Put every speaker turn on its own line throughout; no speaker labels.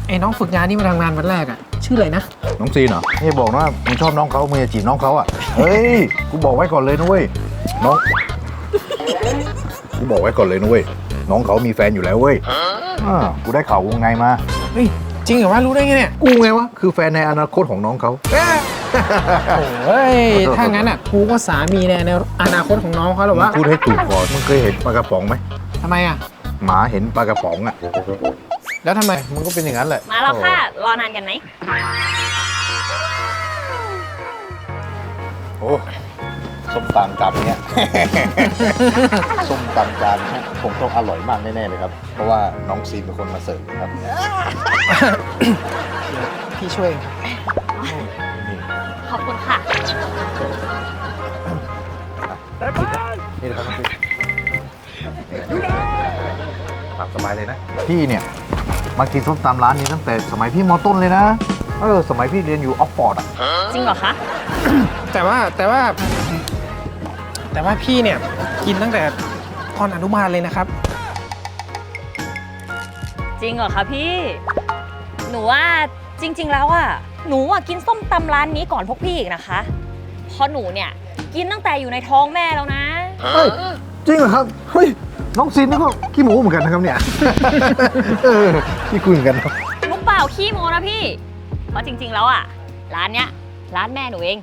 ไอ้น้องฝึกงานนี่มาทำงานวันแรกอะชื่ออะไรนะ
น้องซีนเหรอนี่บอกนะมึงชอบน้องเขามึงจะจีบน้องเขาอ่ะเฮ้ยกูบอกไว้ก่อนเลยนะเว้ยน้องกูบอกไว้ก่อนเลยนะเว้ยน้องเขามีแฟนอยู่แล้วเว้ยกูได้ข่าววงในมา
เฮ้ยจริงเหรอวะรู้ได้ไงเนี่ย
กูไงวะคือแฟนในอนาคตของน้องเขา
โอ้ยถ้างั้นอ่ะกูก็สามีในอนาคตของน้องเขาหรอวะ
พูดให้ถูกก่อนมึงเคยเห็นปลากระป๋องไหม
ทำไมอ่ะ
หมาเห็นปลากระป๋องอ่ะ
แล้วทำไม
มึงก็เป็นอย่างนั้นแหละ
มาแล้วค่ะรอนานกันไหม
โอ้ส้มตำจานเนี้ย ส้มตำจานนี้คงต้องอร่อยมากแน่ๆเลยครับเพราะว่าน้องซีนเป็นคนมาเสิร์ฟครับ
พี่ช่วย
ขอบคุณค่ะ
นี่นะครับน้องซีนตามสบายเลยนะพี่เนี่ยมากินส้มตำร้านนี้ตั้งแต่สมัยพี่ม.ต้นเลยนะสมัยพี่เรียนอยู่ออกฟอร์ดอ่ะ
จริงเหรอคะ
แต่ว่าพี่เนี่ยกินตั้งแต่ตอนอนุบาลเลยนะครับ
จริงเหรอคะพี่หนูว่าจริงๆแล้วอะหนูกินส้มตำร้านนี้ก่อนพวกพี่อีกนะคะเพราะหนูเนี่ยกินตั้งแต่อยู่ในท้องแม่แล้วนะ
เฮ้ยจริงเหรอครับเฮ้ยน้องซินนี่ก็ขี้หมูเหมือนกันนะครับเนี่ยขี้คุยเหมือนกันครับ
ลูกเปล่าขี้โมนะพี่เพราะจริงๆแล้วอะร้านเนี้ยร้านแม่หนูเอง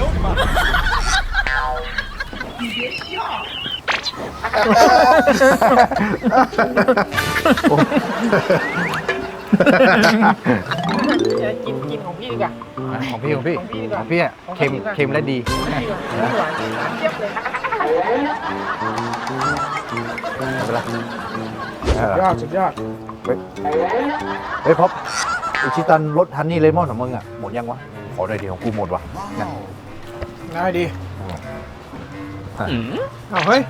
กินของพี่ดีกว่า
ของพี่อ่ะเค็มและดี
สุดยอด
เฮ้ยพบอิชิตันรสฮันนี่เลมอนของมึงอ่ะหมดยังวะขอหน่อยดีของกูหมดวะ
ได้ดีเฮ้ย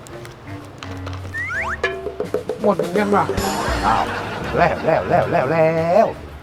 หมดเหมือนกันว่ะ
อ้าวแล้ว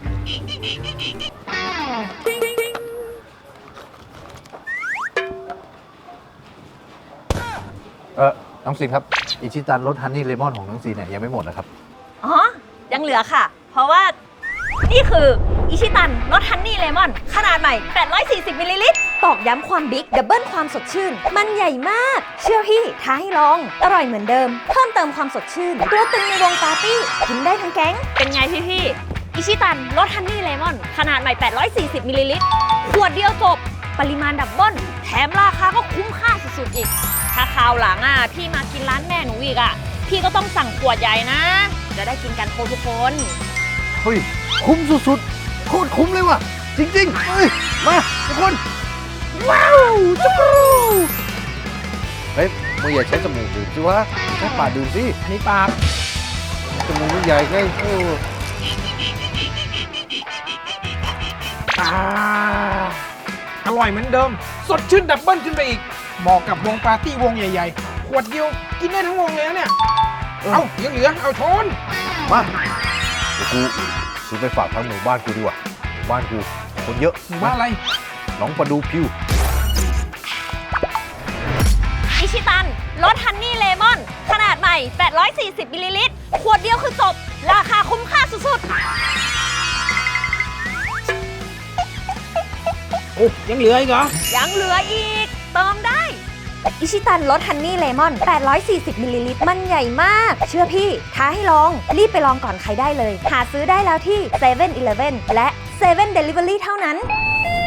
น้องซีนครับอิชิตันรสฮันนี่เลมอนของน้องซีนเนี่ยยังไม่หมดนะครับ
อ๋อยังเหลือค่ะเพราะว่านี่คืออิชิตันรสฮันนี่เลมอนขนาดใหม่840มิลลิลิตรตอกย้ำความบิ๊กดับเบิลความสดชื่นมันใหญ่มากเชื่อพี่ท้าให้ลองอร่อยเหมือนเดิมเพิ่มเติมความสดชื่นตัวตึงในวงปาร์ตี้กินได้ทั้งแก๊งเป็นไงพี่อิชิตันรสฮันนี่เลมอนขนาดใหม่840มิลลิลิตรขวดเดียวจบปริมาณดับเบิลแถมราคาก็คุ้มค่าสุดๆอีกถ้าคราวหลังพี่มากินร้านแม่หนูอีกพี่ก็ต้องสั่งขวดใหญ่นะจะได้กินกันทุกคน
เฮ้ยคุ้มสุดๆโคตรคุ้มเลยว่ะจริงๆเฮ้ยมาทุกคนว้าวจุ๊บเฮ้ยมึงอย่าใช้จมูกดื่มสิวะใช้ปากดื่มสิ
อันนี้ปาก
จมูกมันใหญ่ไง
อร่อยเหมือนเดิมสดชื่นดับเบิลขึ้นไปอีกเหมาะกับวงปาร์ตี้วงใหญ่ๆขวดเดียวกินได้ทั้งวงเลยนะเนี่ยเอายังเหลือเอาชน
มาเดี๋ยวกูซื้อไปฝากทั้งหมู่บ้านกูดีกว่าบ้านกูคนเยอะ
หมู่บ้านอะไร
น้องประดูพิว
อิชิตันรสฮันนี่เลมอนขนาดใหม่840มิลลิลิตรขวดเดียวคือจบราคาคุ้มค่าสุดๆ
โอ้ยังเหลืออีกเหรอ
ยังเหลืออีกเติมได้อิชิตันรสฮันนี่เลมอน840มิลลิลิตรมันใหญ่มากเชื่อพี่ท้าให้ลองรีบไปลองก่อนใครได้เลยหาซื้อได้แล้วที่7-Eleven และ7 Delivery เท่านั้น